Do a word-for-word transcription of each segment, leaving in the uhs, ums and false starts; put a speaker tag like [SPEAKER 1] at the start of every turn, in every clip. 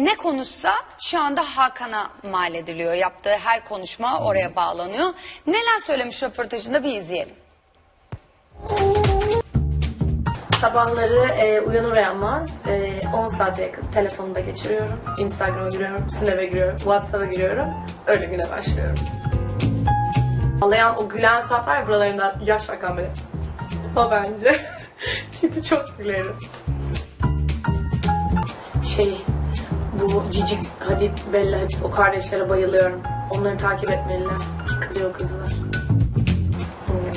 [SPEAKER 1] ne konuşsa şu anda Hakan'a mal ediliyor. Yaptığı her konuşma oraya bağlanıyor. Neler söylemiş röportajında bir izleyelim.
[SPEAKER 2] Sabahları e, uyanır uyanmaz e, on saate yakın telefonumda geçiriyorum. Instagram'a giriyorum, Snap'e giriyorum, WhatsApp'a giriyorum. Öyle güne başlıyorum. Ağlayan o gülen surat var ya, buralarından yaş akan böyle. O bence. Çünkü çok gülerim. Şey, bu Cici Hadid, Bella Hadid, o kardeşlere bayılıyorum. Onları takip etmeliler. Yıkılıyor kızlar. Hmm.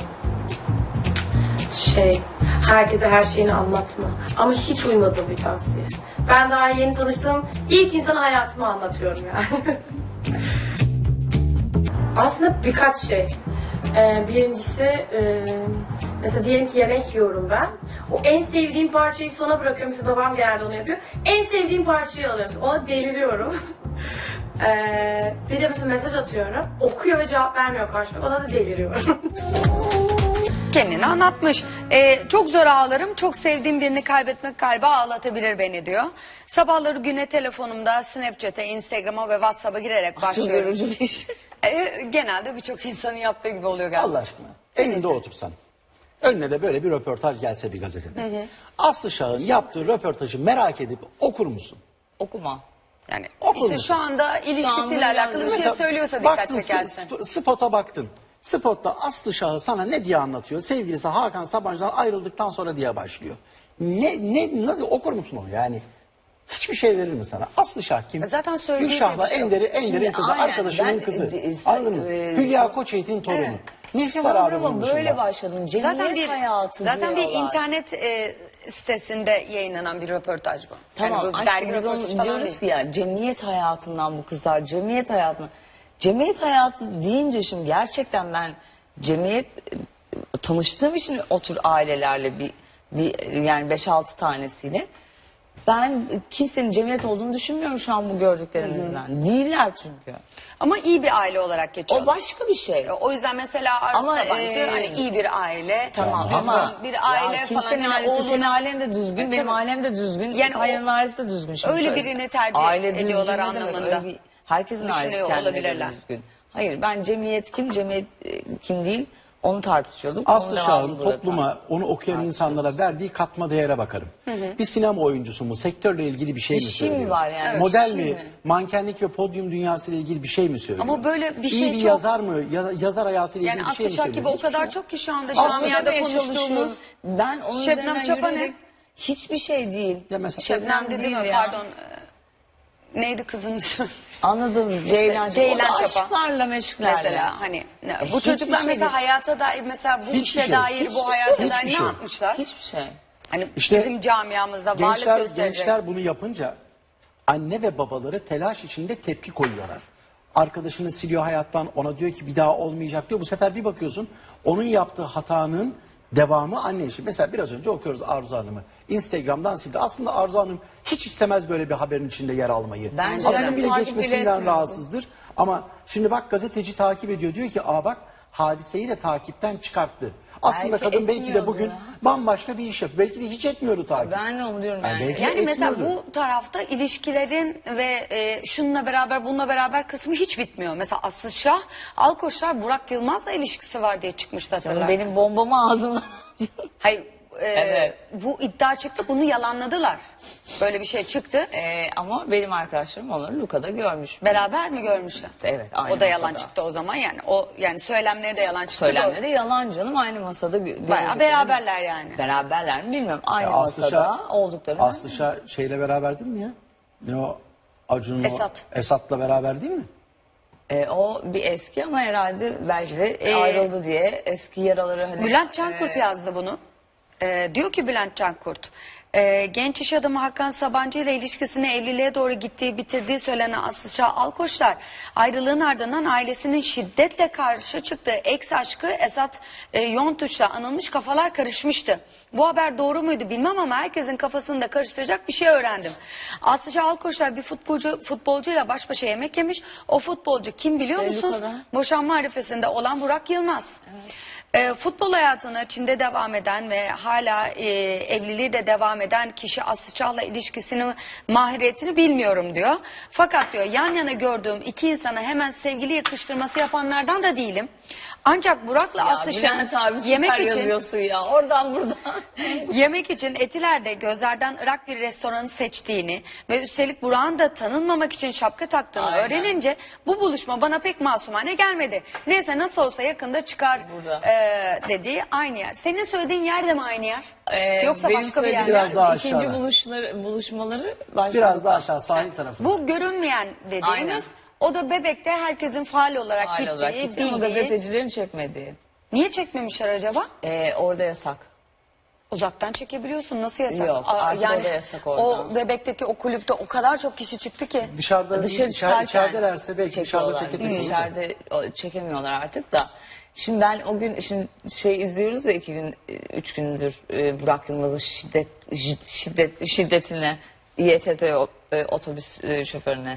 [SPEAKER 2] Şey, herkese her şeyini anlatma. Ama hiç uymadığım bir tavsiye. Ben daha yeni tanıştığım ilk insana hayatımı anlatıyorum yani. Aslında birkaç şey. Ee, birincisi, e, mesela diyelim ki yemek yiyorum ben. O en sevdiğim parçayı sona bırakıyorum. Mesela babam genelde onu yapıyor. En sevdiğim parçayı alıyorum. Ona deliriyorum. ee, bir de mesela mesaj atıyorum. Okuyor ve cevap vermiyor karşıma. Ona da deliriyorum.
[SPEAKER 1] Kendini anlatmış. Ee, çok zor ağlarım, çok sevdiğim birini kaybetmek galiba ağlatabilir beni diyor. Sabahları güne telefonumda Snapchat'e, Instagram'a ve WhatsApp'a girerek başlıyorum.
[SPEAKER 3] Yorucu bir iş.
[SPEAKER 1] Ee, genelde birçok insanın yaptığı gibi oluyor galiba.
[SPEAKER 4] Allah aşkına. Evinde otursan. Önüne de böyle bir röportaj gelse bir gazetede. Hı hı. Aslı Şah'ın yaptığı röportajı merak edip okur musun?
[SPEAKER 3] Okuma.
[SPEAKER 1] Yani
[SPEAKER 4] Okur
[SPEAKER 1] işte
[SPEAKER 4] musun?
[SPEAKER 1] şu anda ilişkisiyle
[SPEAKER 3] anda
[SPEAKER 1] alakalı bir şey
[SPEAKER 4] Mesela
[SPEAKER 1] söylüyorsa dikkat
[SPEAKER 4] baktın,
[SPEAKER 1] çekersin.
[SPEAKER 4] sp- spota baktın. Spotta Aslı Şah'ı sana ne diye anlatıyor? Sevgilisi Hakan Sabancı'dan ayrıldıktan sonra diye başlıyor. Ne, ne, nasıl okur musun onu yani? Hiçbir şey verir mi sana? Aslı Şah kim?
[SPEAKER 1] Zaten söylediği
[SPEAKER 4] Gülşah'la
[SPEAKER 1] bir şey yok.
[SPEAKER 4] Ender'i, Ender'in
[SPEAKER 3] Şimdi
[SPEAKER 4] kızı,
[SPEAKER 3] aynen,
[SPEAKER 4] arkadaşının
[SPEAKER 3] ben,
[SPEAKER 4] kızı.
[SPEAKER 3] e, e,
[SPEAKER 4] Anladın mı?
[SPEAKER 3] e,
[SPEAKER 4] Hülya Koçyiğit'in torunu. Nesi var abi
[SPEAKER 3] Programa
[SPEAKER 4] bunun dışında?
[SPEAKER 3] böyle başladım. Cemiyet
[SPEAKER 1] Zaten bir
[SPEAKER 3] hayatı
[SPEAKER 1] zaten bir
[SPEAKER 3] diyorlar.
[SPEAKER 1] internet e, sitesinde yayınlanan bir röportaj bu.
[SPEAKER 3] Tamam,
[SPEAKER 1] yani bu
[SPEAKER 3] aşkım,
[SPEAKER 1] dergi
[SPEAKER 3] biz onu
[SPEAKER 1] röportajı falan
[SPEAKER 3] diyoruz
[SPEAKER 1] değil.
[SPEAKER 3] ki ya cemiyet hayatından bu kızlar, cemiyet hayatından. Cemiyet hayatı deyince şimdi gerçekten ben cemiyet e, tanıştığım için otur ailelerle bir, bir yani beş altı tanesiyle ben kimsenin cemiyet olduğunu düşünmüyorum şu an bu gördüklerimizden. Değiller çünkü.
[SPEAKER 1] Ama iyi bir aile olarak geçiyor.
[SPEAKER 3] O başka bir şey.
[SPEAKER 1] O yüzden mesela Arzu
[SPEAKER 3] Ama,
[SPEAKER 1] Sabancı
[SPEAKER 3] e,
[SPEAKER 1] hani iyi bir aile,
[SPEAKER 3] Tamam
[SPEAKER 1] düzgün
[SPEAKER 3] ama
[SPEAKER 1] bir aile
[SPEAKER 3] ya
[SPEAKER 1] falan.
[SPEAKER 3] kimsenin
[SPEAKER 1] Yani
[SPEAKER 3] ailesi,
[SPEAKER 1] oğlunu-
[SPEAKER 3] senin ailen de düzgün,
[SPEAKER 1] E,
[SPEAKER 3] benim
[SPEAKER 1] tabii.
[SPEAKER 3] ailem de düzgün,
[SPEAKER 1] Yani
[SPEAKER 3] Kaya'nın
[SPEAKER 1] o-
[SPEAKER 3] ailesi de düzgün. Şimdi
[SPEAKER 1] öyle
[SPEAKER 3] şöyle,
[SPEAKER 1] birini tercih
[SPEAKER 3] aile düzgün
[SPEAKER 1] ediyorlar
[SPEAKER 3] ne demek?
[SPEAKER 1] anlamında.
[SPEAKER 3] Öyle bir- herkesin ailesi
[SPEAKER 1] Düşünüyor
[SPEAKER 3] kendine
[SPEAKER 1] olabilirler.
[SPEAKER 3] göre düzgün. Hayır, ben cemiyet kim, cemiyet e, kim değil onu tartışıyorduk.
[SPEAKER 4] Aslı
[SPEAKER 3] Onun
[SPEAKER 4] Şah'ın
[SPEAKER 3] devamını burada
[SPEAKER 4] topluma, onu okuyan insanlara verdiği katma değere bakarım. Bir sinema oyuncusu mu, sektörle ilgili bir şey
[SPEAKER 3] Bir
[SPEAKER 4] mi
[SPEAKER 3] şey mi
[SPEAKER 4] söylüyor?
[SPEAKER 3] var yani?
[SPEAKER 4] Model
[SPEAKER 3] Bir şey
[SPEAKER 4] mi,
[SPEAKER 3] mi?
[SPEAKER 4] mankenlik ve podyum dünyası ile ilgili bir şey mi söylüyor?
[SPEAKER 1] Ama böyle bir şey
[SPEAKER 4] İyi bir
[SPEAKER 1] çok-
[SPEAKER 4] yazar mı, yaz- yazar hayatıyla
[SPEAKER 1] Yani
[SPEAKER 4] ilgili bir şey
[SPEAKER 1] Aslı
[SPEAKER 4] mi
[SPEAKER 1] Şah
[SPEAKER 4] söylüyor?
[SPEAKER 1] gibi o
[SPEAKER 4] Hiçbir
[SPEAKER 1] kadar
[SPEAKER 4] şey.
[SPEAKER 1] çok ki şu anda
[SPEAKER 4] Aslı
[SPEAKER 1] camiada
[SPEAKER 3] Şebnem
[SPEAKER 1] konuştuğumuz.
[SPEAKER 3] çalışıyoruz. Ben onun
[SPEAKER 1] Şebnem
[SPEAKER 3] üzerinden
[SPEAKER 1] Çapa ne?
[SPEAKER 3] yürüyerek hiçbir şey değil.
[SPEAKER 4] Ya mesela-
[SPEAKER 1] Şebnem dedi
[SPEAKER 3] değil
[SPEAKER 1] mi?
[SPEAKER 3] ya.
[SPEAKER 1] Pardon. e, Neydi kızın ismi?
[SPEAKER 3] Anladım. Ceylan,
[SPEAKER 1] Ceylan
[SPEAKER 3] o da
[SPEAKER 1] Çapa.
[SPEAKER 3] aşklarla meşklerle.
[SPEAKER 1] Mesela hani ne-
[SPEAKER 3] E,
[SPEAKER 1] bu
[SPEAKER 3] hiçbir
[SPEAKER 1] çocuklar
[SPEAKER 3] şey
[SPEAKER 1] mesela
[SPEAKER 3] değil.
[SPEAKER 1] hayata dair mesela bu
[SPEAKER 4] Hiçbir
[SPEAKER 1] işe
[SPEAKER 4] şey,
[SPEAKER 1] dair
[SPEAKER 4] hiçbir
[SPEAKER 1] bu hayata
[SPEAKER 4] şey,
[SPEAKER 1] dair
[SPEAKER 4] hiçbir
[SPEAKER 1] ne
[SPEAKER 4] şey.
[SPEAKER 1] yapmışlar?
[SPEAKER 3] Hiçbir şey.
[SPEAKER 1] Hani
[SPEAKER 4] İşte
[SPEAKER 1] bizim camiamızda varlık
[SPEAKER 4] Gençler,
[SPEAKER 1] gösterecek.
[SPEAKER 4] gençler bunu yapınca anne ve babaları telaş içinde tepki koyuyorlar. Arkadaşını siliyor hayattan, ona diyor ki bir daha olmayacak diyor. Bu sefer bir bakıyorsun onun yaptığı hatanın devamı anne işi. Mesela biraz önce okuyoruz Arzu Hanım'ı. Instagram'dan sildi. Aslında Arzu Hanım hiç istemez böyle bir haberin içinde yer almayı.
[SPEAKER 3] Bence
[SPEAKER 4] Adının
[SPEAKER 3] de.
[SPEAKER 4] bile
[SPEAKER 3] Takip bile
[SPEAKER 4] geçmesinden
[SPEAKER 3] etmiyordu.
[SPEAKER 4] rahatsızdır. Ama şimdi bak gazeteci takip ediyor. Diyor ki aa bak hadiseyi de takipten çıkarttı. Aslında
[SPEAKER 3] Belki
[SPEAKER 4] kadın belki de
[SPEAKER 3] etmiyordu
[SPEAKER 4] bugün
[SPEAKER 3] ya.
[SPEAKER 4] bambaşka bir iş yapıyor. Belki de hiç etmiyordu takip.
[SPEAKER 3] Ben de onu diyorum
[SPEAKER 4] Yani
[SPEAKER 3] yani.
[SPEAKER 4] belki-
[SPEAKER 1] Yani mesela
[SPEAKER 4] etmiyordu.
[SPEAKER 1] bu tarafta ilişkilerin ve e, şununla beraber bununla beraber kısmı hiç bitmiyor. Mesela Aslı Şah, Alkoçlar Burak Yılmaz'la ilişkisi var diye çıkmıştı hatırlar.
[SPEAKER 3] Benim bombamı ağzımdan.
[SPEAKER 1] Hayır e,
[SPEAKER 3] Evet.
[SPEAKER 1] bu iddia çıktı bunu yalanladılar. Böyle bir şey çıktı.
[SPEAKER 3] Ee, ama benim arkadaşlarım onları Luka'da görmüş.
[SPEAKER 1] Beraber mi görmüşler?
[SPEAKER 3] Evet, aynı
[SPEAKER 1] O da yalan
[SPEAKER 3] masada.
[SPEAKER 1] çıktı o zaman yani. O yani söylemleri de yalan çıktı.
[SPEAKER 3] Söylemleri yalan canım, aynı masada. gö-
[SPEAKER 1] Bayağı
[SPEAKER 3] gördüklerim-
[SPEAKER 1] beraberler yani.
[SPEAKER 3] Beraberler mi bilmiyorum. Aynı
[SPEAKER 4] Ya Aslı
[SPEAKER 3] masada
[SPEAKER 4] Şah-
[SPEAKER 3] olduklarını.
[SPEAKER 4] Aslı Şah şeyle beraber değil mi ya? Ne o? Acun'un
[SPEAKER 1] Esat.
[SPEAKER 4] o Esat'la beraber değil mi?
[SPEAKER 3] Ee, o bir eski ama herhalde belki de
[SPEAKER 1] Ee,
[SPEAKER 3] ayrıldı diye eski yaraları hani.
[SPEAKER 1] Bülent Cankurt yazdı bunu. Ee, diyor ki Bülent Cankurt, e, genç iş adamı Hakan Sabancı ile ilişkisini evliliğe doğru gittiği, bitirdiği söylenen Aslı Şah Alkoçlar, ayrılığın ardından ailesinin şiddetle karşı çıktığı ex aşkı Esat e, Yontuç'la anılmış, kafalar karışmıştı. Bu haber doğru muydu bilmem ama herkesin kafasını da karıştıracak bir şey öğrendim. Aslı Şah Alkoçlar bir futbolcu futbolcuyla baş başa yemek yemiş. O futbolcu kim biliyor
[SPEAKER 3] İşte
[SPEAKER 1] musunuz?
[SPEAKER 3] Luka'da.
[SPEAKER 1] Boşanma arifesinde olan Burak Yılmaz. E, futbol hayatına Çin'de devam eden ve hala e, evliliği de devam eden kişi Aslı Çağ'la ilişkisini, mahiriyetini bilmiyorum diyor. Fakat diyor yan yana gördüğüm iki insana hemen sevgili yakıştırması yapanlardan da değilim. Ancak Burak'la
[SPEAKER 3] Ya
[SPEAKER 1] Aslı Çağ'ın
[SPEAKER 3] Bülent abi süper
[SPEAKER 1] yemek için
[SPEAKER 3] yazıyorsun ya. Oradan buradan.
[SPEAKER 1] yemek için Etiler'de Gözler'den Irak bir restoranı seçtiğini ve üstelik Burak'ın da tanınmamak için şapka taktığını
[SPEAKER 3] Aynen.
[SPEAKER 1] öğrenince bu buluşma bana pek masumane gelmedi. Neyse nasıl olsa yakında çıkar
[SPEAKER 3] Burada.
[SPEAKER 1] e, dediği aynı yer. Senin söylediğin yer de mi aynı yer?
[SPEAKER 3] Ee,
[SPEAKER 1] Yoksa
[SPEAKER 3] benim
[SPEAKER 1] başka bir yer mi?
[SPEAKER 3] söylediğim
[SPEAKER 4] Biraz daha
[SPEAKER 3] ikinci
[SPEAKER 4] aşağıda.
[SPEAKER 3] buluşları, buluşmaları başka.
[SPEAKER 4] Biraz daha aşağı sahil tarafı.
[SPEAKER 1] Bu görünmeyen dediğimiz
[SPEAKER 3] Aynen.
[SPEAKER 1] o da Bebek'te herkesin faal olarak
[SPEAKER 3] Hal
[SPEAKER 1] gittiği,
[SPEAKER 3] olarak gitti ama
[SPEAKER 1] bildiği.
[SPEAKER 3] gazetecilerin çekmediği.
[SPEAKER 1] Niye çekmemişler acaba?
[SPEAKER 3] Ee, orada yasak.
[SPEAKER 1] Uzaktan çekebiliyorsun. Nasıl yasak?
[SPEAKER 3] Yok,
[SPEAKER 1] Aa,
[SPEAKER 3] artık o da yasak orada.
[SPEAKER 1] O Bebek'teki o kulüpte o kadar çok kişi çıktı ki.
[SPEAKER 4] Dışarıda
[SPEAKER 3] Dışarı
[SPEAKER 4] içer,
[SPEAKER 3] çıkarken
[SPEAKER 4] içeridelerse belki dışarıda
[SPEAKER 3] çekiyorlar.
[SPEAKER 4] teke tek olur da.
[SPEAKER 3] İçeride o- çekemiyorlar artık da. Şimdi ben o gün şimdi şey izliyoruz ya iki gün, üç gündür e, Burak Yılmaz'ın şiddet, şid- şiddet, şiddetine, İETT o- e, otobüs e, şoförüne.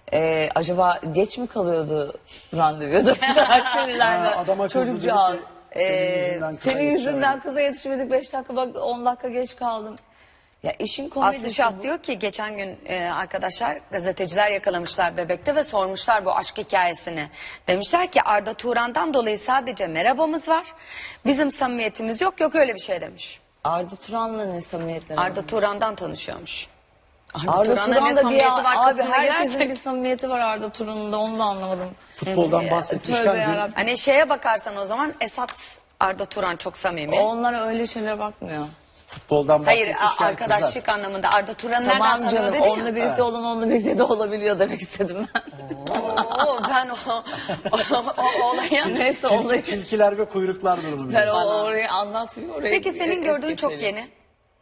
[SPEAKER 3] E, acaba geç mi kalıyordu randevuya da sinirlerden
[SPEAKER 4] Ha, adama kızdı dedi ki
[SPEAKER 3] çocukcağız.
[SPEAKER 4] senin yüzünden kıza
[SPEAKER 3] Senin yüzünden
[SPEAKER 4] yetişemedim.
[SPEAKER 3] kıza yetişmedik beş dakika bak on dakika geç kaldım. Ya işin komedisi
[SPEAKER 1] Aslı Şah
[SPEAKER 3] bu.
[SPEAKER 1] diyor ki geçen gün e, arkadaşlar gazeteciler yakalamışlar Bebek'te ve sormuşlar bu aşk hikayesini. Demişler ki Arda Turan'dan dolayı sadece merhabamız var. Bizim samimiyetimiz yok yok öyle bir şey demiş.
[SPEAKER 3] Arda Turan'la ne samimiyetleri var?
[SPEAKER 1] Arda Turan'dan tanışıyormuş. Arda,
[SPEAKER 3] Arda
[SPEAKER 1] Turan'la ne
[SPEAKER 3] Turan'da bir
[SPEAKER 1] samimiyeti var
[SPEAKER 3] abi
[SPEAKER 1] kısmına
[SPEAKER 3] herkesin
[SPEAKER 1] girersek.
[SPEAKER 3] bir samimiyeti var Arda Turan'ın da onu da anlamadım.
[SPEAKER 4] Futboldan
[SPEAKER 3] Tövbe
[SPEAKER 4] bahsetmişken dün
[SPEAKER 3] yarabbim.
[SPEAKER 1] Hani şeye bakarsan o zaman Esat Arda Turan çok samimi.
[SPEAKER 3] Onlar öyle şeylere bakmıyor.
[SPEAKER 4] futboldan
[SPEAKER 1] Hayır
[SPEAKER 4] bahsetmişken
[SPEAKER 1] a- arkadaşlık
[SPEAKER 4] kızlar.
[SPEAKER 1] anlamında Arda Turan'ı nereden
[SPEAKER 3] Tamam
[SPEAKER 1] tanıyor
[SPEAKER 3] canım
[SPEAKER 1] dedin ya.
[SPEAKER 3] onunla birlikte olan onunla birlikte de olabiliyor demek istedim ben.
[SPEAKER 1] Oo, ben o, o, o olaya...
[SPEAKER 3] Neyse
[SPEAKER 4] Tilki-
[SPEAKER 3] olayı.
[SPEAKER 4] tilkiler ve kuyruklar durumu
[SPEAKER 3] Ben
[SPEAKER 4] biliyorsun.
[SPEAKER 3] o, orayı anlatmıyor. Orayı
[SPEAKER 1] Peki senin
[SPEAKER 3] es
[SPEAKER 1] gördüğün çok
[SPEAKER 3] geçelim.
[SPEAKER 1] yeni.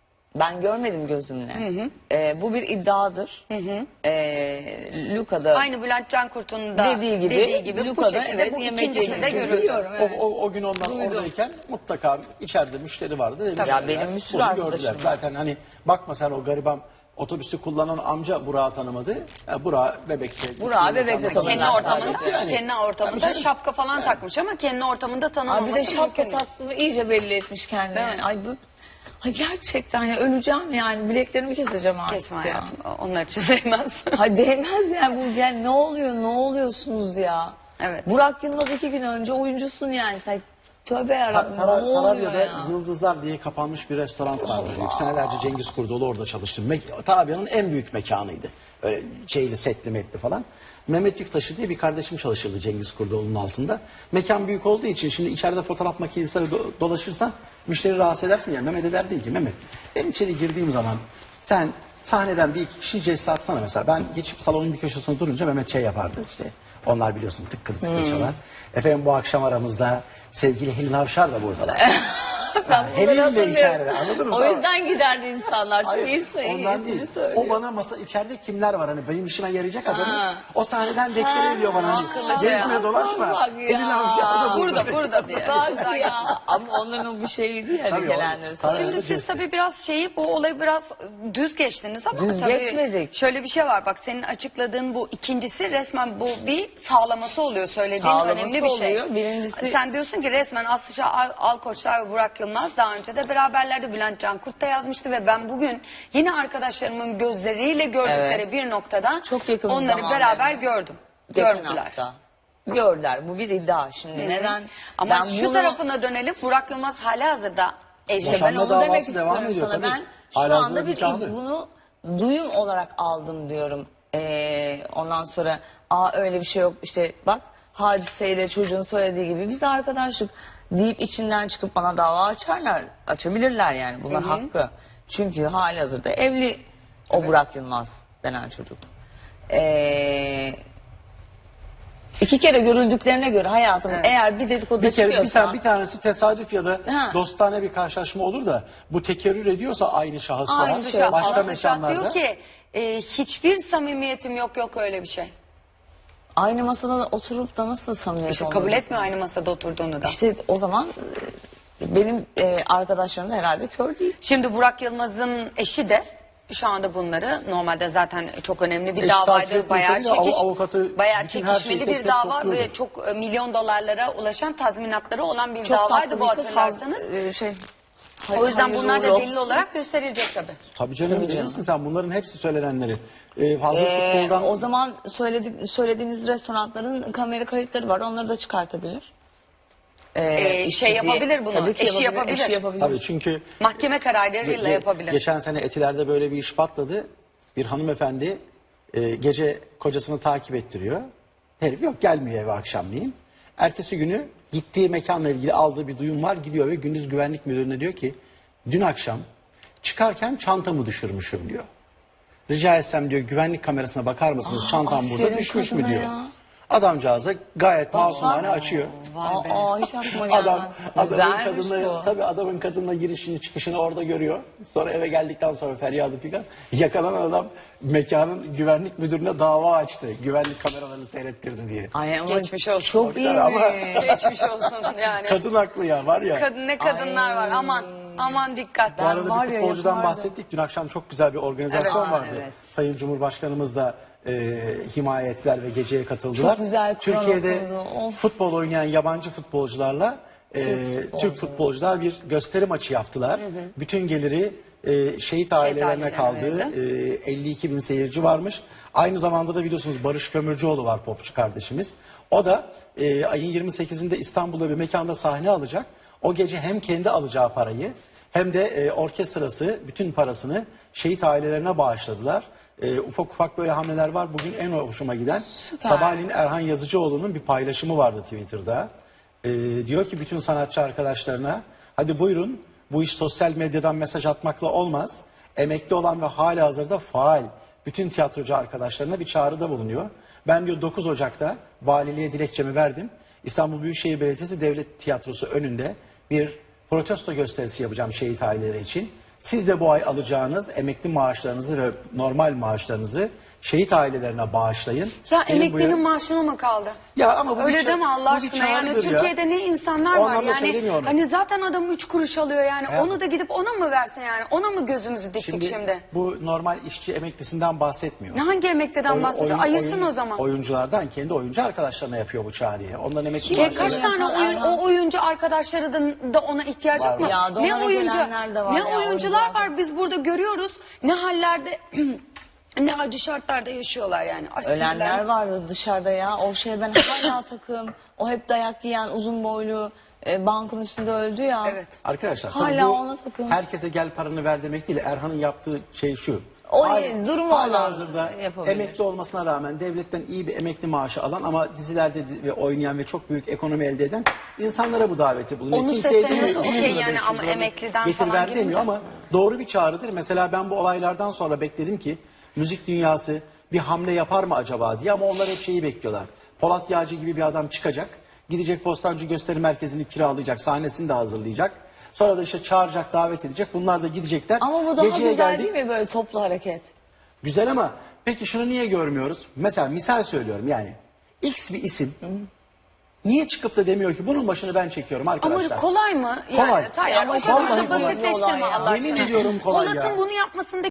[SPEAKER 3] Ben görmedim gözümle. Ee, bu bir iddiadır. Ee, Luka'da
[SPEAKER 1] Aynı Bülent Cankurt'un da
[SPEAKER 3] dediği gibi,
[SPEAKER 1] dediği gibi bu
[SPEAKER 3] Luka'da
[SPEAKER 1] şekilde
[SPEAKER 3] evet,
[SPEAKER 1] bu
[SPEAKER 3] yemek
[SPEAKER 1] ikincisi de
[SPEAKER 3] yemek
[SPEAKER 1] görüldü.
[SPEAKER 3] Biliyorum,
[SPEAKER 4] O,
[SPEAKER 3] evet.
[SPEAKER 4] o, o gün onlar
[SPEAKER 3] Duydum.
[SPEAKER 4] oradayken mutlaka içeride müşteri vardı. Ve
[SPEAKER 1] Tabii.
[SPEAKER 4] müşteriler
[SPEAKER 3] Ya benim bir sürü
[SPEAKER 4] bunu
[SPEAKER 3] arkadaşım
[SPEAKER 4] gördüler.
[SPEAKER 3] var.
[SPEAKER 4] Zaten hani bakma sen o gariban otobüsü kullanan amca Burak'ı tanımadı. Ya Burak Bebek'te.
[SPEAKER 3] Burak'ı Bebek'te
[SPEAKER 4] tanımadı.
[SPEAKER 1] Kendi
[SPEAKER 3] Tanımlar
[SPEAKER 1] ortamında,
[SPEAKER 3] sadece.
[SPEAKER 4] Yani.
[SPEAKER 1] kendi
[SPEAKER 4] Tabii
[SPEAKER 1] ortamında
[SPEAKER 4] canım.
[SPEAKER 1] şapka falan takmış ama kendi ortamında
[SPEAKER 3] Abi
[SPEAKER 1] tanınmaması
[SPEAKER 3] bir de şapka
[SPEAKER 1] mümkün değil.
[SPEAKER 3] taktığını iyice belli etmiş kendini.
[SPEAKER 1] Değil mi?
[SPEAKER 3] Yani. Ay bu Ay gerçekten ya öleceğim yani bileklerimi keseceğim artık.
[SPEAKER 1] Kesme
[SPEAKER 3] ya.
[SPEAKER 1] hayatım. Onlar için değmez.
[SPEAKER 3] Ha değmez yani bu yani ne oluyor ne oluyorsunuz ya.
[SPEAKER 1] Evet.
[SPEAKER 3] Burak Yılmaz iki gün önce oyuncusun yani sen tövbe
[SPEAKER 4] Ta-
[SPEAKER 3] yarabbim ne
[SPEAKER 4] Tara-
[SPEAKER 3] oluyor
[SPEAKER 4] Tarabya'da
[SPEAKER 3] ya.
[SPEAKER 4] Yıldızlar diye kapanmış bir restoran vardı. Senelerce Cengiz Kurdoğlu orada çalıştı. Me- Tarabya'nın en büyük mekanıydı. Öyle şeyli setli metli falan. Mehmet Yüktaşı diye bir kardeşim çalışırdı Cengiz Kurdoğlu'nun altında. Mekan büyük olduğu için şimdi içeride fotoğraf makinesi do- dolaşırsan müşteri rahatsız edersin ya. Mehmet'e derdin ki Mehmet ben içeri girdiğim zaman sen sahneden bir iki kişi cesse yapsana mesela. Ben geçip salonun bir köşesine durunca Mehmet şey yapardı işte. Onlar biliyorsun tıkkır tıkkır çalar. Efendim bu akşam aramızda sevgili Helin Avşar da buradalar.
[SPEAKER 3] Ben bunları
[SPEAKER 4] Helin de
[SPEAKER 3] hatırlıyorum.
[SPEAKER 4] içeride anladın mı?
[SPEAKER 3] O yüzden giderdi insanlar. Çünkü
[SPEAKER 4] Hayır,
[SPEAKER 3] iyisi,
[SPEAKER 4] ondan
[SPEAKER 3] iyisini
[SPEAKER 4] değil.
[SPEAKER 3] söylüyor.
[SPEAKER 4] O bana masa içeride kimler var hani benim işime yarayacak adamı.
[SPEAKER 3] Ha.
[SPEAKER 4] O sahneden deklare ediyor bana. Hani,
[SPEAKER 1] akıllıca
[SPEAKER 4] gezme
[SPEAKER 1] ya.
[SPEAKER 4] dolaşma.
[SPEAKER 3] Bak ya.
[SPEAKER 4] Elin Avşar da burada.
[SPEAKER 1] Burada burada diye.
[SPEAKER 3] Bak ya. Ama onların o bir şeyiydi yani
[SPEAKER 4] Tabii o-
[SPEAKER 3] gelenleri.
[SPEAKER 4] tabii.
[SPEAKER 1] Şimdi
[SPEAKER 4] Arada
[SPEAKER 1] siz
[SPEAKER 4] kesti.
[SPEAKER 1] tabii biraz şeyi bu olayı biraz düz geçtiniz ama
[SPEAKER 3] Düz
[SPEAKER 1] tabii
[SPEAKER 3] geçmedik.
[SPEAKER 1] şöyle bir şey var bak senin açıkladığın bu ikincisi resmen bu bir sağlaması oluyor söylediğin
[SPEAKER 3] Sağlaması
[SPEAKER 1] önemli bir şey.
[SPEAKER 3] oluyor. Birincisi-
[SPEAKER 1] Sen diyorsun ki resmen Aslı Şah, Al- Alkoçlar ve Burak Yılmaz daha önce de beraberlerdi. Bülent Cankurt da yazmıştı ve ben bugün yine arkadaşlarımın gözleriyle gördükleri
[SPEAKER 3] Evet.
[SPEAKER 1] bir noktada
[SPEAKER 3] Çok yakın bir
[SPEAKER 1] onları
[SPEAKER 3] zamanda
[SPEAKER 1] beraber
[SPEAKER 3] hem de.
[SPEAKER 1] gördüm.
[SPEAKER 3] Geçen
[SPEAKER 1] Gördüler.
[SPEAKER 3] hafta. Gördüler. Bu bir iddia. Şimdi neden?
[SPEAKER 1] Ama
[SPEAKER 3] ben
[SPEAKER 1] şu
[SPEAKER 3] bunu-
[SPEAKER 1] tarafına dönelim Burak Yılmaz halihazırda evli.
[SPEAKER 3] İşte ben
[SPEAKER 4] Boşanma
[SPEAKER 3] onu demek
[SPEAKER 4] davası devam
[SPEAKER 3] istiyorum
[SPEAKER 4] ediyor
[SPEAKER 3] sana.
[SPEAKER 4] tabii.
[SPEAKER 3] Ben şu
[SPEAKER 4] Halihazırda
[SPEAKER 3] anda bir
[SPEAKER 4] nikahlı.
[SPEAKER 3] bunu duyum olarak aldım diyorum. Ee, ondan sonra aa öyle bir şey yok işte bak hadiseyle çocuğun söylediği gibi biz arkadaşlık deyip içinden çıkıp bana dava açarlar. Açabilirler yani bunlar hakkı. Çünkü halihazırda evli o Burak Yılmaz denen çocuk. Ee, iki kere görüldüklerine göre hayatım eğer bir dedikodu
[SPEAKER 4] Bir kere bir,
[SPEAKER 3] çıkıyorsa
[SPEAKER 4] tane, bir tanesi tesadüf ya da
[SPEAKER 3] Ha.
[SPEAKER 4] dostane bir karşılaşma olur da bu tekerrür ediyorsa aynı şahıslar
[SPEAKER 1] Aynı şey.
[SPEAKER 4] başka
[SPEAKER 1] Aslı Şah
[SPEAKER 4] mekanlarda.
[SPEAKER 1] diyor ki e, hiçbir samimiyetim yok yok öyle bir şey.
[SPEAKER 3] aynı masada da oturup da nasıl samimiyet
[SPEAKER 1] İşte
[SPEAKER 3] olmaz?
[SPEAKER 1] kabul etmiyor aynı masada oturduğunu da.
[SPEAKER 3] İşte o zaman e, benim e, arkadaşlarım da herhalde kör değil.
[SPEAKER 1] Şimdi Burak Yılmaz'ın eşi de şu anda bunları normalde zaten çok önemli bir
[SPEAKER 4] Eş takip
[SPEAKER 1] davaydı.
[SPEAKER 4] etmese
[SPEAKER 1] Bayağı
[SPEAKER 4] bile av-
[SPEAKER 1] çekiş,
[SPEAKER 4] avukatı
[SPEAKER 1] bayağı
[SPEAKER 4] bütün her şeyi
[SPEAKER 1] çekişmeli
[SPEAKER 4] tek
[SPEAKER 1] bir
[SPEAKER 4] tek
[SPEAKER 1] dava
[SPEAKER 4] topluyordur.
[SPEAKER 1] ve çok e, milyon dolarlara ulaşan tazminatları olan bir
[SPEAKER 3] Çok
[SPEAKER 1] davaydı
[SPEAKER 3] tatlı
[SPEAKER 1] bu
[SPEAKER 3] bir kız.
[SPEAKER 1] hatırlarsanız.
[SPEAKER 3] Ee, şey,
[SPEAKER 1] O yüzden
[SPEAKER 3] hayırlı
[SPEAKER 1] bunlar da
[SPEAKER 3] uğurlu
[SPEAKER 1] delil
[SPEAKER 3] olsun.
[SPEAKER 1] olarak gösterilecek tabii.
[SPEAKER 4] Tabii canım,
[SPEAKER 3] Tabii canım.
[SPEAKER 4] bilirsin sen bunların hepsi söylenenleri. Ee, fazla
[SPEAKER 3] Ee,
[SPEAKER 4] futboldan
[SPEAKER 3] o zaman söyledik, söylediğiniz restoranların kamera kayıtları var. Onları da çıkartabilir. Ee,
[SPEAKER 1] Ee,
[SPEAKER 3] işçi
[SPEAKER 1] şey
[SPEAKER 3] diye-
[SPEAKER 1] yapabilir bunu,
[SPEAKER 3] Tabii ki
[SPEAKER 1] eşi
[SPEAKER 3] yapabilir.
[SPEAKER 1] yapabilir.
[SPEAKER 3] Eşi yapabilir.
[SPEAKER 4] tabii çünkü
[SPEAKER 1] Mahkeme kararlarıyla
[SPEAKER 4] Ge-
[SPEAKER 1] yapabilir.
[SPEAKER 4] Geçen sene Etiler'de böyle bir iş patladı. Bir hanımefendi e, gece kocasını takip ettiriyor. Herif yok, gelmiyor eve akşamleyin. Ertesi günü gittiği mekanla ilgili aldığı bir duyum var. Gidiyor ve gündüz güvenlik müdürüne diyor ki dün akşam çıkarken çantamı düşürmüşüm diyor. Rica etsem diyor güvenlik kamerasına bakar mısınız, çantam burada
[SPEAKER 3] aferin
[SPEAKER 4] düşmüş mü
[SPEAKER 3] kadına
[SPEAKER 4] diyor.
[SPEAKER 3] ya.
[SPEAKER 4] Adamcağıza gayet masumane açıyor.
[SPEAKER 1] Vay be.
[SPEAKER 3] Aa, hiç aklıma gelmez.
[SPEAKER 4] Adam, adamın
[SPEAKER 3] Güzelmiş
[SPEAKER 4] kadınla,
[SPEAKER 3] bu.
[SPEAKER 4] tabii adamın kadınla girişini çıkışını orada görüyor. Sonra eve geldikten sonra feryadı filan. Yakalanan adam mekanın güvenlik müdürüne dava açtı. Güvenlik kameralarını seyrettirdi diye.
[SPEAKER 3] Ay, ama
[SPEAKER 1] Geçmiş olsun.
[SPEAKER 3] Çok iyi.
[SPEAKER 4] Ama-
[SPEAKER 1] Geçmiş olsun yani.
[SPEAKER 4] Kadın haklı ya, var ya.
[SPEAKER 1] Kadın ne kadınlar var. Aman aman dikkat.
[SPEAKER 4] Bu arada
[SPEAKER 3] var
[SPEAKER 4] bir
[SPEAKER 3] ya,
[SPEAKER 4] futbolcudan
[SPEAKER 3] yapardım.
[SPEAKER 4] bahsettik. Dün akşam çok güzel bir organizasyon
[SPEAKER 1] Evet.
[SPEAKER 4] vardı.
[SPEAKER 3] Evet.
[SPEAKER 4] Sayın Cumhurbaşkanımız da e, himaye ettiler ve geceye katıldılar.
[SPEAKER 3] Çok güzel kural
[SPEAKER 4] Türkiye'de
[SPEAKER 3] okundu. Of.
[SPEAKER 4] futbol oynayan yabancı futbolcularla e, Türk, futbolcular bir gösteri maçı yaptılar. Bütün geliri e, şehit ailelerine
[SPEAKER 1] ailelerine
[SPEAKER 4] kaldı.
[SPEAKER 1] verildi.
[SPEAKER 4] E, elli iki bin seyirci varmış. Aynı zamanda da biliyorsunuz Barış Kömürcüoğlu var, popçu kardeşimiz. O da e, ayın yirmi sekizinde İstanbul'da bir mekanda sahne alacak. O gece hem kendi alacağı parayı hem de e, orkestrası bütün parasını şehit ailelerine bağışladılar. E, ufak ufak böyle hamleler var. Bugün en hoşuma giden sabahleyin Erhan Yazıcıoğlu'nun bir paylaşımı vardı Twitter'da. E, diyor ki bütün sanatçı arkadaşlarına hadi buyurun, bu iş sosyal medyadan mesaj atmakla olmaz. Emekli olan ve halihazırda faal bütün tiyatrocu arkadaşlarına bir çağrıda bulunuyor. Ben diyor dokuz Ocak'ta valiliğe dilekçemi verdim. İstanbul Büyükşehir Belediyesi Devlet Tiyatrosu önünde bir protesto gösterisi yapacağım şehit aileleri için. Siz de bu ay alacağınız emekli maaşlarınızı ve normal maaşlarınızı şehit ailelerine bağışlayın.
[SPEAKER 1] Ya
[SPEAKER 4] Benim bu
[SPEAKER 1] emeklinin
[SPEAKER 4] ya-
[SPEAKER 1] maaşına mı kaldı?
[SPEAKER 4] Ya ama bu
[SPEAKER 1] Öyle
[SPEAKER 4] bir ça-
[SPEAKER 1] deme Allah
[SPEAKER 4] bu bir
[SPEAKER 1] aşkına. Yani
[SPEAKER 4] çağrıdır ya.
[SPEAKER 1] Türkiye'de ne insanlar
[SPEAKER 4] O
[SPEAKER 1] var
[SPEAKER 4] anlamda
[SPEAKER 1] yani.
[SPEAKER 4] söylemiyorum.
[SPEAKER 1] Hani zaten adam üç kuruş alıyor yani.
[SPEAKER 4] Ya.
[SPEAKER 1] Onu da gidip ona mı versin yani? Ona mı gözümüzü diktik şimdi?
[SPEAKER 4] Bu normal işçi emeklisinden bahsetmiyor.
[SPEAKER 1] Ne hangi emekliden
[SPEAKER 4] Oyun-
[SPEAKER 1] bahsediyor?
[SPEAKER 4] oyun-
[SPEAKER 1] Ayırsın
[SPEAKER 4] oyun-
[SPEAKER 1] o zaman.
[SPEAKER 4] Oyunculardan kendi oyuncu arkadaşlarına yapıyor bu çağrıyı. Onların emekli
[SPEAKER 1] Ki
[SPEAKER 4] maaşları-
[SPEAKER 1] kaç tane oyun, o oyuncu arkadaşları da, da ona ihtiyaç
[SPEAKER 4] Var,
[SPEAKER 1] yok mu?
[SPEAKER 4] var.
[SPEAKER 3] Ya,
[SPEAKER 1] Ne
[SPEAKER 3] donana
[SPEAKER 1] oyuncu,
[SPEAKER 3] gelenler de var
[SPEAKER 1] ne
[SPEAKER 3] ya,
[SPEAKER 1] oyuncular
[SPEAKER 3] oyuncular.
[SPEAKER 1] var biz burada görüyoruz. Ne hallerde, ne acı şartlarda yaşıyorlar yani. Ay,
[SPEAKER 3] Ölenler
[SPEAKER 1] sinirlerim.
[SPEAKER 3] vardı dışarıda ya. O şey ben hala takım. O hep dayak yiyen uzun boylu e, bankın üstünde öldü ya.
[SPEAKER 1] Evet.
[SPEAKER 4] Arkadaşlar
[SPEAKER 3] Hala
[SPEAKER 4] tabii bu
[SPEAKER 3] ona takım.
[SPEAKER 4] herkese gel paranı ver demek değil. Erhan'ın yaptığı şey şu.
[SPEAKER 3] O
[SPEAKER 4] Hal-
[SPEAKER 3] durumu olan
[SPEAKER 4] halihazırda
[SPEAKER 3] yapabilir.
[SPEAKER 4] emekli olmasına rağmen devletten iyi bir emekli maaşı alan ama dizilerde di- ve oynayan ve çok büyük ekonomi elde eden insanlara bu daveti bulunuyor.
[SPEAKER 1] Onu
[SPEAKER 4] Kimseye
[SPEAKER 1] sesleniyorsa
[SPEAKER 4] demiyor,
[SPEAKER 1] okey
[SPEAKER 4] yüz lira,
[SPEAKER 1] yani
[SPEAKER 4] beş yüz
[SPEAKER 1] ama
[SPEAKER 4] lira
[SPEAKER 1] emekliden
[SPEAKER 4] getir
[SPEAKER 1] falan
[SPEAKER 4] ver demiyor
[SPEAKER 1] girince-
[SPEAKER 4] ama doğru bir çağrıdır. Mesela ben bu olaylardan sonra bekledim ki müzik dünyası bir hamle yapar mı acaba diye ama onlar hep şeyi bekliyorlar. Polat Yağcı gibi bir adam çıkacak, gidecek Bostancı Gösteri Merkezi'ni kiralayacak, sahnesini de hazırlayacak. Sonra da işte çağıracak, davet edecek. Bunlar da gidecekler.
[SPEAKER 3] Ama bu daha
[SPEAKER 4] Geceye
[SPEAKER 3] güzel
[SPEAKER 4] geldik.
[SPEAKER 3] değil mi böyle toplu hareket?
[SPEAKER 4] Güzel ama peki şunu niye görmüyoruz? Mesela misal söylüyorum yani. X bir isim niye çıkıp da demiyor ki bunun başını ben çekiyorum arkadaşlar.
[SPEAKER 1] Ama kolay mı? Yani
[SPEAKER 4] Kolay.
[SPEAKER 1] Tayyar
[SPEAKER 3] Ama
[SPEAKER 1] o
[SPEAKER 3] işte
[SPEAKER 1] kadar
[SPEAKER 4] vallahi
[SPEAKER 1] da
[SPEAKER 4] kolay.
[SPEAKER 1] basitleştirme
[SPEAKER 3] Olay ya.
[SPEAKER 1] Allah aşkına.
[SPEAKER 4] Yemin ediyorum kolay
[SPEAKER 1] Polat'ın
[SPEAKER 4] ya.
[SPEAKER 1] bunu yapmasında